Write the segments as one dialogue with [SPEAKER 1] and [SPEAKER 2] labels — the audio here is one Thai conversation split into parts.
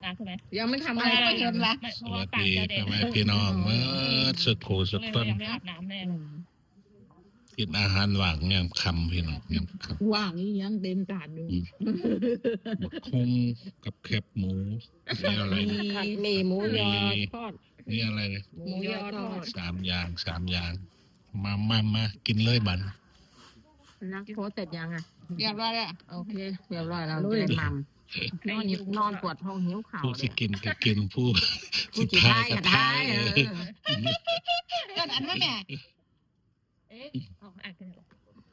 [SPEAKER 1] ใช่ไหม
[SPEAKER 2] ยังไม่ทำอะไรก็เชิญละ
[SPEAKER 3] สวัสดีพ่อแม่พี่น้องเมื่อสักครู่สักต้น
[SPEAKER 1] ยังไม่อาบน้ำแน่
[SPEAKER 3] กินอาหารว่างยามค่ำพี่น้องยามค่
[SPEAKER 2] ว่างนี่ยังเต็มจานอยู่
[SPEAKER 3] ำบักคงกับแคบหมูนี่อะไร
[SPEAKER 2] ผัดหมี่หมูยอทอด
[SPEAKER 3] นี่อะไรเนี่ย
[SPEAKER 2] หมูยอทอด
[SPEAKER 3] สามอย่างมากินเลยบัน
[SPEAKER 4] นักโพสเสร็จยังอ่ะ
[SPEAKER 2] เรียบร้อยแล้ว
[SPEAKER 4] โอเคเรียบร้อยเราจะได้มัมนอนปวดท้องหิวข่าว
[SPEAKER 3] ผู้
[SPEAKER 4] เล
[SPEAKER 3] สิ
[SPEAKER 4] ย
[SPEAKER 3] กินก็กินผู้
[SPEAKER 4] ผู้
[SPEAKER 3] สิ
[SPEAKER 4] จิ
[SPEAKER 3] ทา
[SPEAKER 4] ท้าย ย
[SPEAKER 3] ก็
[SPEAKER 4] ก็
[SPEAKER 3] ทา
[SPEAKER 4] ท้าย
[SPEAKER 3] ย
[SPEAKER 2] ก็อันนั้นแม่
[SPEAKER 1] เอ๊ะเอาอ่านกันเหรอ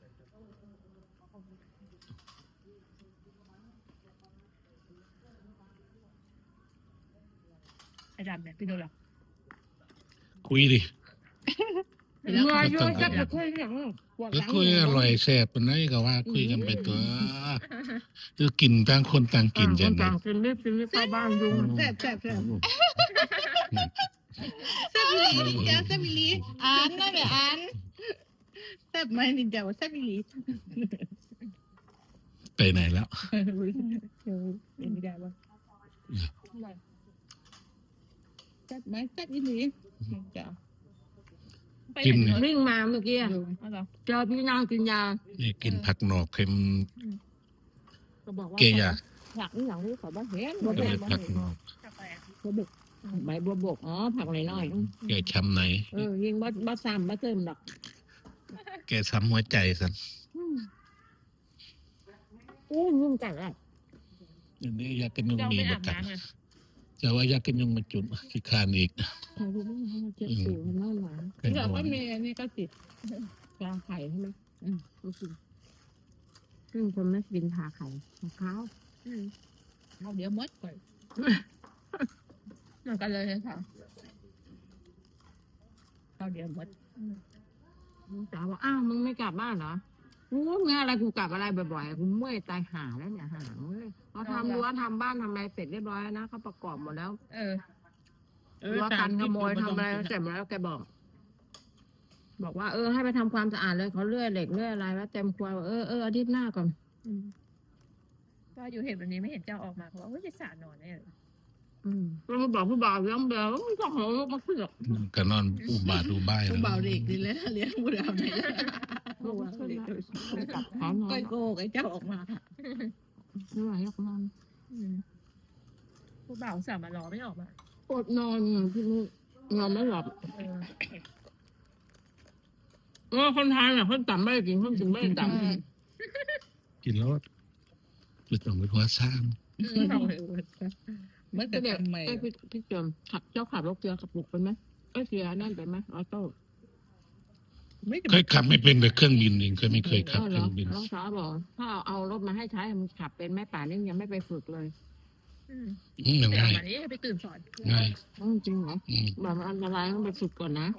[SPEAKER 1] อาจารย์เนี่ยพี่ดูหรอ
[SPEAKER 3] คุยดิ
[SPEAKER 4] เมื่อโยนจะคุยอย่างปวดห
[SPEAKER 3] แล้ว
[SPEAKER 4] ลัง
[SPEAKER 3] คุยอร่อยแซ่บปานไหนก็ว่าคุยกันไปตัวคือกินต่างคนต่างกิน
[SPEAKER 4] ค
[SPEAKER 3] จั
[SPEAKER 4] น
[SPEAKER 3] ง
[SPEAKER 4] ต่างกินรีบเข้าบ้านยุง
[SPEAKER 2] แซ่บแซ่บแซ่บแซ่บอีหลีจ้าแซ่บอีหลีอ่านนะแม่อ่านแซ่บไหมนินจาว่าแซ่บอีหลี
[SPEAKER 3] ไปไหนแล้ว
[SPEAKER 2] ไม่ได้ว่าแซ่บไหมแซ่บอีหลีนินจา
[SPEAKER 3] กินเนี่ย
[SPEAKER 4] วิ่งมาเมื่อกี้
[SPEAKER 1] เอาเหรอ
[SPEAKER 4] เจอพี่นางกินยา
[SPEAKER 3] นี่กินผักหนอกเค็ม
[SPEAKER 4] ก็บอกว่า
[SPEAKER 3] เกยา
[SPEAKER 4] อยากนี่อย่างนี้ขอบ้านเห็น
[SPEAKER 3] ก็เลยผักหนอก
[SPEAKER 1] กาแฟ
[SPEAKER 4] บัวบกใบบัวบกอ๋อผักน้อย
[SPEAKER 3] แกช้ำไหน
[SPEAKER 4] ยิงบ้าซ้ำบ้าเติมดอก
[SPEAKER 3] แกช้ำหัวใจสัน
[SPEAKER 4] ยุ่งจังอ่ะ
[SPEAKER 3] อันนี้อยากกินยุง
[SPEAKER 1] เจ้า
[SPEAKER 3] มี
[SPEAKER 1] ไม่
[SPEAKER 3] ป
[SPEAKER 1] อา
[SPEAKER 3] ระ
[SPEAKER 1] บ
[SPEAKER 3] กัน
[SPEAKER 1] น้ำอ่ะ
[SPEAKER 3] จะว่าอยากกินยุงมาจุดขี้คานอีก
[SPEAKER 4] ใครรู้ไหมว่าเจ็บสิวมันน่าหวาน
[SPEAKER 3] เป็น
[SPEAKER 2] เดี๋ยว
[SPEAKER 3] ห่ว
[SPEAKER 2] ก็
[SPEAKER 3] ง
[SPEAKER 2] มีอันนี้ก็ติด
[SPEAKER 4] ปลาไข่ใช่ไหมก็กินซึ่งคนไม่กินผ่าไข่มะพร้าว
[SPEAKER 2] เอาเดี๋ยวมดก่อน
[SPEAKER 1] เหมือนกันเลยค่ะ
[SPEAKER 2] เอาเดี๋ยวมด
[SPEAKER 4] ลูกสาวบอกอ้าวมึงไม่กลับบ้านเหรอกูงานอะไรกูกลับอะไรบ่อยๆกูเมื่อยตายหาแล้วเนี่ยหางเลยพอทำรั้วทำบ้านทำอะไรเสร็จเรียบร้อยแล้วนะเขาประกอบหมดแล้ว รั้วกันขโมยทำอะไรเสร็จหมดแล้วแกบอกว่าให้ไปทำความสะอาดเลยเขาเลื่อยเหล็กเลื่อยอะไรแล้วเต็มครัวอาทิตย์หน้าก่อน
[SPEAKER 1] ก็อยู่เห็นวันนี้ไม่เห็นเจ้าออกมาเพราะว่าจะสานอนแน่เลย
[SPEAKER 4] ก็มาบอกผู้บ่าวเลี้ยงเบลมันก็หอมมาขึ้นหรอก
[SPEAKER 3] ก็นอนอุบาทอุบาย
[SPEAKER 2] ผู้
[SPEAKER 3] แล้ว
[SPEAKER 2] เบาเด็กดีเลยนะเลี้ยงผู้ดาวไหน
[SPEAKER 4] บอกว่าขึ้นแล้วกลับหานอน
[SPEAKER 2] ก้อยโกกไอ้เจ้าออกมา
[SPEAKER 4] ไม่ไหวหรอกนอน
[SPEAKER 1] ผู้บ่าวสาวมารอไม่ออกมา
[SPEAKER 4] อดนอนที่นี่นอนไม่หลับคนไทยน่ะเขาต่ำไม่ได้กินเขาถึงไม่ได้ต่ำ
[SPEAKER 3] กินแล้วคือต้องเป็นหัวซ้
[SPEAKER 2] เมื่อ
[SPEAKER 4] ก็
[SPEAKER 2] เด็
[SPEAKER 4] เดี๋
[SPEAKER 2] ก
[SPEAKER 4] ยว
[SPEAKER 2] ใหม่
[SPEAKER 4] พี่เจิมขับรถเรือขับบุกเป็นไหมเสียนั่นเป็นไหมออโต้
[SPEAKER 2] ไม่
[SPEAKER 3] ำเคยขับไม่เป็นแต่เครื่องบินเองไม่เคยขับเครื่องบิน
[SPEAKER 4] น้องสาวบอกถ้าเอารถมาให้ใช้มันขับเป็นไหมป่านนี้ยังไม่ไปฝึกเลย
[SPEAKER 3] มัน
[SPEAKER 1] ไป
[SPEAKER 3] ง่าย
[SPEAKER 1] มานี้ไปตื่นสอน
[SPEAKER 3] ง่าย
[SPEAKER 4] จริงเหรอแบบมันอันตรายต้องไปฝึกก่อนนะ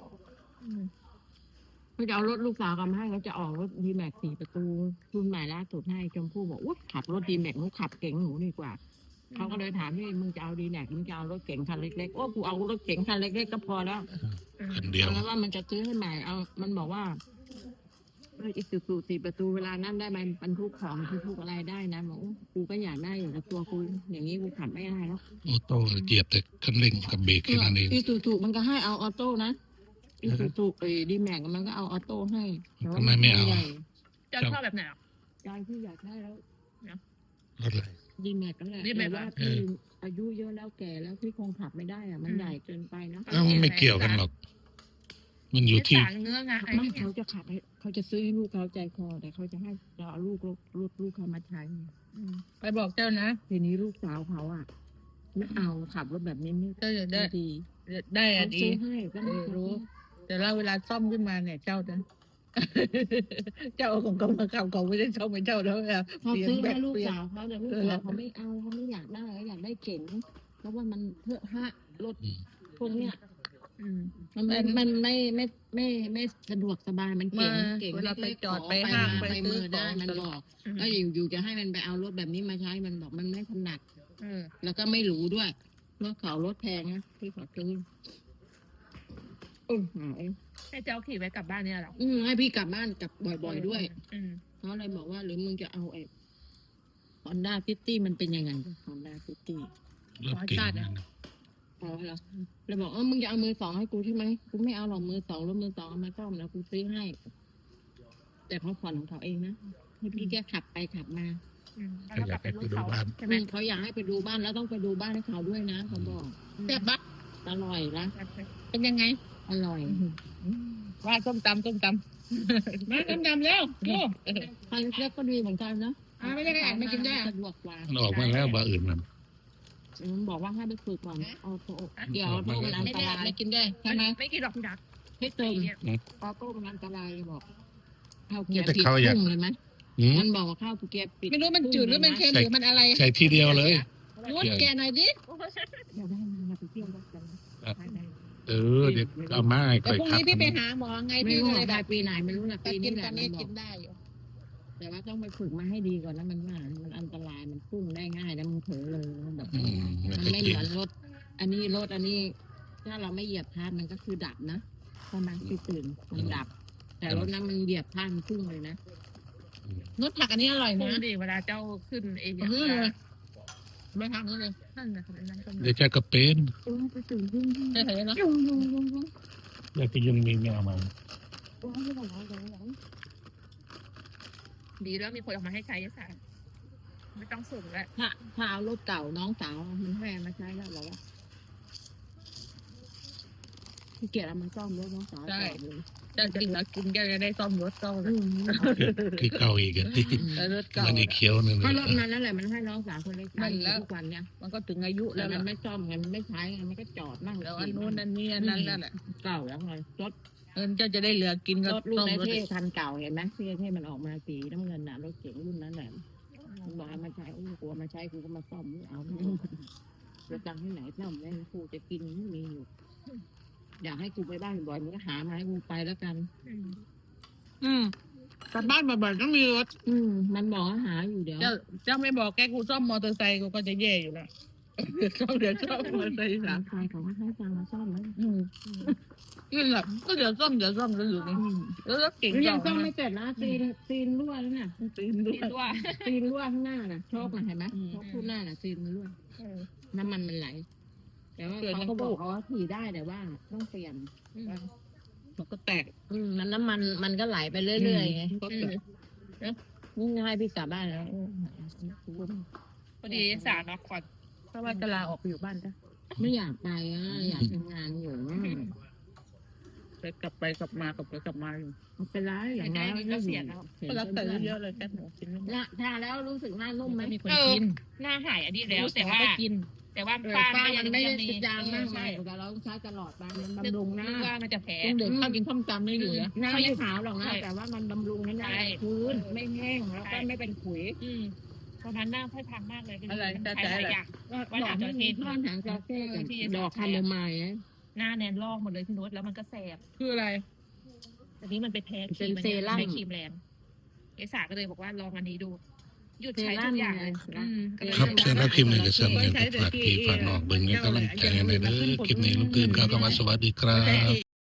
[SPEAKER 4] เขาจะเอารถลูกสาวกันมาให้เขาจะออกรถดีแม็ก4 ประตูรุ่นใหม่ล่าสุดให้ชมพู่บอกอุ๊ยขับรถดีแม็กหนูขับเก่งหนูดีกว่าเขาก็เลยถามพี่มึงจะเอาดีแม็กมึงจะเอารถเก๋งคันเล็กๆโอ้กูเอารถเก๋งคันเล็กๆก็พอแล้ว
[SPEAKER 3] คันเดียว
[SPEAKER 4] แล้วว่ามันจะซื้อให้ใหม่เอามันบอกว่าอีก4 ประตูเวลานั่นได้ไหมบรรทุกของบรรทุกอะไรได้นะบอกกูก็อยากได้อยู่แต่ตัวกูอย่างนี้กูขับไม่ได้แล้ว
[SPEAKER 3] ออโต้เหยียบแต่คันเร่งกับเบรกแค่นั้นเอง
[SPEAKER 4] อีซูซูมันก็ให้เอาออโต้นะอีซูซูดีแม็กมันก็เอาออโต้ให้
[SPEAKER 3] ทำไมไม่เอา
[SPEAKER 4] ใหญ่
[SPEAKER 1] เจ้าชอบแบบไหนอ่ะ
[SPEAKER 4] ใจที่อยากได้แล้ว
[SPEAKER 3] รถอะไร
[SPEAKER 4] ดีแม็กก็แหละ
[SPEAKER 1] D-Max
[SPEAKER 4] แต่ว่าพี่อายุเยอะแล้วแก่แล้วพี่คงขับไม่ได้อะมันใหญ่เกินไปนะ
[SPEAKER 3] เอ้ามันไม่เกี่ยวกันหรอก มันอยู่ที่
[SPEAKER 1] สารเนื้องาไอ้
[SPEAKER 4] ไม่
[SPEAKER 1] นี่
[SPEAKER 4] เขาจะขับให้เขาจะซื้อให้ลูกเขาใจคอแต่เขาจะให้เราเอาลูกเขามาใช้
[SPEAKER 2] ไปบอกเจ้านะ
[SPEAKER 4] ทีนี้ลูกสาวเขาอ่ะไม่เอาขับรถแบบนี้ไม่
[SPEAKER 2] เจ้าจะได้
[SPEAKER 4] ดี
[SPEAKER 2] ได้อะ
[SPEAKER 4] เขา
[SPEAKER 2] ดี
[SPEAKER 4] ซื้อให้ก็ไม่
[SPEAKER 2] รู้ แต่เราเวลาซ่อมขึ้นมาเนี่ยเจ้านะ เจ้าของเขามาขับเขาไม่ได้ซ่อมให้เจ้าแล้วเวลา
[SPEAKER 4] เขา
[SPEAKER 2] เปลี่ยน
[SPEAKER 4] ซื้อ
[SPEAKER 2] แบ
[SPEAKER 4] ให้
[SPEAKER 2] บ
[SPEAKER 4] ลูก
[SPEAKER 2] เปลี่ยน
[SPEAKER 4] สาวเขาแต่ลูกสาวเขาไม่เอาเขาไม่อยากได้เขาอยากได้เก๋งเพราะว่ามันเพื่อฮะรถพวกเนี้ยมันไม่สะดวกสบายมันเก่ง
[SPEAKER 2] มา
[SPEAKER 4] เก่ง
[SPEAKER 2] เวลาไป
[SPEAKER 4] ล็กๆ
[SPEAKER 2] จอด
[SPEAKER 4] ข
[SPEAKER 2] ไปห้าง
[SPEAKER 4] ม
[SPEAKER 2] ไป
[SPEAKER 4] ไป
[SPEAKER 2] ซื้
[SPEAKER 4] มื
[SPEAKER 2] อ
[SPEAKER 4] อได้
[SPEAKER 2] ของ
[SPEAKER 4] มันบอกแล้วอยู่จะให้มันไปเอารถแบบนี้มาใช้มันบอกมันไม่ถนัดแล้วก็ไม่หรูด้วยรถเขารถแพงนะที่ขอซื้อหาย
[SPEAKER 1] ให้เจ้าขี่ไปกลับบ้านเนี่ยหรอ
[SPEAKER 4] ให้พี่กลับบ้านกลับบ่อยๆด้วยเขาเลยบอกว่าหรือมึงจะเอาไอ้ฮอนด้าซิตี้มันเป็นยังไงฮอนด้าซิตี้
[SPEAKER 3] รถเก่งนะ
[SPEAKER 4] อ๋อเหรอเลยบอกมึงจะเอามือสองให้กูใช่ไหมกูไม่เอาหรอกมือสองรถมือสองเอามาซ่อมแล้วกูซื้อให้ แต่เขาผ่อนของเขาเองนะให้พี่แกขับไปขับมา
[SPEAKER 1] แล้วก็กลับไปรุ่นเขาใช่ไหม
[SPEAKER 4] เขาอยากให้ไปดูบ้านแล้วต้องไปดูบ้านให้เขาด้วยนะเขาบอก
[SPEAKER 2] แซ่บปะ
[SPEAKER 4] อร่อยนะ
[SPEAKER 2] เป็นยังไง
[SPEAKER 4] อร่อย
[SPEAKER 2] ว่าส้มตำมาส้มตำแล้วโอ้
[SPEAKER 4] ใครเล็กก็ดีเหมือนกันนะ
[SPEAKER 2] ไม่ได้อ่านไม่กินได้
[SPEAKER 4] สะดวกกว่า
[SPEAKER 3] มันออกมาแล้วบ่อื่นมัน
[SPEAKER 4] บอกว่าให้ไปฝึกก่อนออโต้เดี๋ยวโต้มันอัน
[SPEAKER 2] ไม่
[SPEAKER 4] ต
[SPEAKER 2] ได้
[SPEAKER 4] ราย
[SPEAKER 2] ไม่กินได้ใช่ไหม
[SPEAKER 1] ไม่กินหรอกพี่ดัก
[SPEAKER 4] ให้เติม
[SPEAKER 1] เนี่ย
[SPEAKER 4] ออโต้มันอันตรายบอกข้าวเกียร์ปิดพุ่งเลยไหม
[SPEAKER 3] อืม
[SPEAKER 4] มันบอกว่าข้าวเกียร์ปิด
[SPEAKER 2] ไม่รู้มันจืดหรือมันเค็มหรือมันอะไร
[SPEAKER 3] ใส่ทีเดียวเลย
[SPEAKER 2] รสแกหน่อยดิ
[SPEAKER 4] เดี๋ยวได้มาไปเที่ยวกัน
[SPEAKER 3] เดี๋ยวเอามาให้
[SPEAKER 2] แต่
[SPEAKER 3] ค่อย
[SPEAKER 2] พรุ่ง
[SPEAKER 3] ขับ
[SPEAKER 2] นี้พี่ไปหาหมอไง
[SPEAKER 4] ไม่
[SPEAKER 2] พี่
[SPEAKER 4] รู้
[SPEAKER 2] ก็เลย
[SPEAKER 4] ได้
[SPEAKER 2] แบบ
[SPEAKER 4] ปีไหนไม่รู้นะ
[SPEAKER 2] แต่
[SPEAKER 4] ปี
[SPEAKER 2] กิ
[SPEAKER 4] นี้
[SPEAKER 2] น
[SPEAKER 4] แห
[SPEAKER 2] ตอ
[SPEAKER 4] ละ
[SPEAKER 2] น
[SPEAKER 4] มั
[SPEAKER 2] นี้
[SPEAKER 4] นบอ
[SPEAKER 2] กิ
[SPEAKER 4] ก
[SPEAKER 2] นได้อยู่
[SPEAKER 4] แต่ว่าต้องไปฝึกมาให้ดีก่อนนะมันว่ามันอันตรายมันพุ่งได้ง่ายแล้วมันเผลอเลยแบบ
[SPEAKER 3] อืม
[SPEAKER 4] มัน
[SPEAKER 3] ไม่
[SPEAKER 4] ไม่
[SPEAKER 3] กิ
[SPEAKER 4] เห
[SPEAKER 3] น
[SPEAKER 4] มือนรถ อันนี้ถ้าเราไม่เหยียบพลาดมันก็คือดับนะใช่ไหมที่ตื่นมันดับ แต่รถนั้นมันเหยียบพลาดมันพุ่งเลยนะ
[SPEAKER 2] รสผักอันนี้อร่อย
[SPEAKER 1] พุ่
[SPEAKER 2] นะ
[SPEAKER 1] งดิเวลาเจ้าขึ้นเอง
[SPEAKER 2] เอาเลยไม่ทำเลย
[SPEAKER 1] นั่นนะนั่นก็
[SPEAKER 3] เดี๋ยวจะกระเป็น
[SPEAKER 4] ไปตื่นยุ่ง
[SPEAKER 2] เฉยๆเนาะ
[SPEAKER 4] ยุ่ง
[SPEAKER 3] อยากจะยังมีแมวมา
[SPEAKER 1] ดีแล้วมีคนออกมาให้ใช้ยาสารไม่ต้องส่งแล้ว
[SPEAKER 4] ถ้าเอารถเก่าน้องสาวมันให้มาใช้แล้วเหรอวะพี่เกียรติเอามาซ่อมรถน้องสาวก่อนเลย
[SPEAKER 2] จะกินแล้วกินก็จะได้ซ่อมรถซ่อม
[SPEAKER 3] คือเก่าอีกอะที่
[SPEAKER 2] แล้วรถเก่า
[SPEAKER 3] มันอีกเขียวหนึ่ง
[SPEAKER 4] ก็รถนั้นนั่นแหละมันให้น้องสาวคนเล็กใช้ทุกวันเนี่ย
[SPEAKER 2] มันก็ถึงอายุ
[SPEAKER 4] แล้
[SPEAKER 2] แล้วว
[SPEAKER 4] มันไม่ซ่อมไงมันไม่ใช้ไงมันก็จอดนั่ง
[SPEAKER 2] แล้วอันนู้นอันนี้อันนั้นนั่นแหละ
[SPEAKER 4] เก่าแล้วไงรถ
[SPEAKER 2] เออเจ้าจะได้เหลือกินก็
[SPEAKER 4] รถรุ่น
[SPEAKER 2] ซ่อม
[SPEAKER 4] ใน
[SPEAKER 2] รถ
[SPEAKER 4] เท่คันเก่าเห็นไหมเท่มันออกมาสีน้ำเงินน่ะรถเก๋งรุ่นนั้นแหละมันบอกให้มาใช้กูมาใช้กูก็มาซ่อมไม่เอาจะตังที่ไหนซ่อมแม่กูจะกินไม่มีอยู่อยากให้กูไปบ้านบ่อยมึงก็หามาให้กูไปแล้วกัน
[SPEAKER 2] กลับบ้านบ่อยๆต้องมีรถ
[SPEAKER 4] มันบอกว่าหาอยู่เดี๋ยว
[SPEAKER 2] เจ้าไม่บอกแกกูซ่อมมอเตอร์ไซค์กูก็จะแย่อยู่แล้วซ่อมเดี๋ยวซ่อมมอเตอร์ไซค์
[SPEAKER 4] สา
[SPEAKER 2] สาม
[SPEAKER 4] มใครเขาก็ให้ตังค์มาซ่อมแล้ว
[SPEAKER 2] นี่แหละก็เดี๋ยวซ่อมแล้วอยู่นี่แล้วรถเก่ง
[SPEAKER 4] ยังซ่อมไม่เสร็จนะซีนรั่วแล้วน่ะ
[SPEAKER 2] ตีนด้ว
[SPEAKER 1] กิ
[SPEAKER 2] ย
[SPEAKER 1] นด้วย
[SPEAKER 4] ซีนรั่วข้างหน้าน่ะโชคน่ะเห็นไหมโชคคู่หน้าน่ะซีนมันรั่วน้ำมันไหลแต่ว่าเขาก็บอกเขาว่าขี่ได้แต่ว่าต้องเปลี่ยน
[SPEAKER 2] มันก็แตก
[SPEAKER 4] มันน้ำมันก็ไหลไปเรื่อยๆไงนี่ให้พี่กลับบ้านแล้ว
[SPEAKER 1] พอดีสารเนาะก่อน
[SPEAKER 2] เพราะว่าจะลาออกไปอยู่บ้านจ้ะ
[SPEAKER 4] ไม่อยากไปอยากทำงานอยู่
[SPEAKER 2] ไปกลับมาอยู่
[SPEAKER 4] ไม่เป็นไรอย่างน้อย
[SPEAKER 1] ก็เสียแล้ว
[SPEAKER 2] ก็รับแต่เยอะเลยแค่หนูกินไม่หมด
[SPEAKER 4] ทาแล้วรู้สึกหน้านุ่มไหม
[SPEAKER 2] มีคนกิน
[SPEAKER 1] หน้าหายอันนี้แล้วแต่ว่า
[SPEAKER 2] ก็กิน
[SPEAKER 1] แต่ว่า
[SPEAKER 4] ป้า
[SPEAKER 1] ป้า
[SPEAKER 4] มันไม่ได้จางมาก
[SPEAKER 1] ใช่
[SPEAKER 4] มายแต่เราใช้ตลอดไปมันบำรุงหน้า
[SPEAKER 1] นึกว่ามันจะแพ้
[SPEAKER 2] เด็กข้าวกินข้าวจำไม่อยู่นะ
[SPEAKER 4] หน้าไม่ขาวหรอกนะแต่ว่ามันบำรุงให้หน้า
[SPEAKER 1] ใช่
[SPEAKER 4] พื้นไม่แห้งแล้วก็ไม่เป็นขุย
[SPEAKER 1] ตอนนั้นหน้าค่อยพังมากเลย
[SPEAKER 2] อะไร
[SPEAKER 1] ใช้
[SPEAKER 2] แต่
[SPEAKER 1] หลายอย่าง
[SPEAKER 4] ว่าดอกที่ท่อนหางจระเข้กับดอกคาโมไมล์
[SPEAKER 1] หน้าแนนลอกหมดเลยพี่นุชแล้วมันก็แสบ
[SPEAKER 2] คืออะไร
[SPEAKER 1] อันนี้มันไปแพ้ครีมใช้ครีมแรงเอสาก็เลยบอกว่าลองอันนี้ดู หยุดใช้ทุกอย่างเลย
[SPEAKER 3] ครับเชิญรับคลิปหนึ่งกับเชิญเลยฝากพี่ฝากน้องเบิ่งให้กำลังใจในเด้อคลิปนี้ลุงตื่นครับก็มาสวัสดีครับ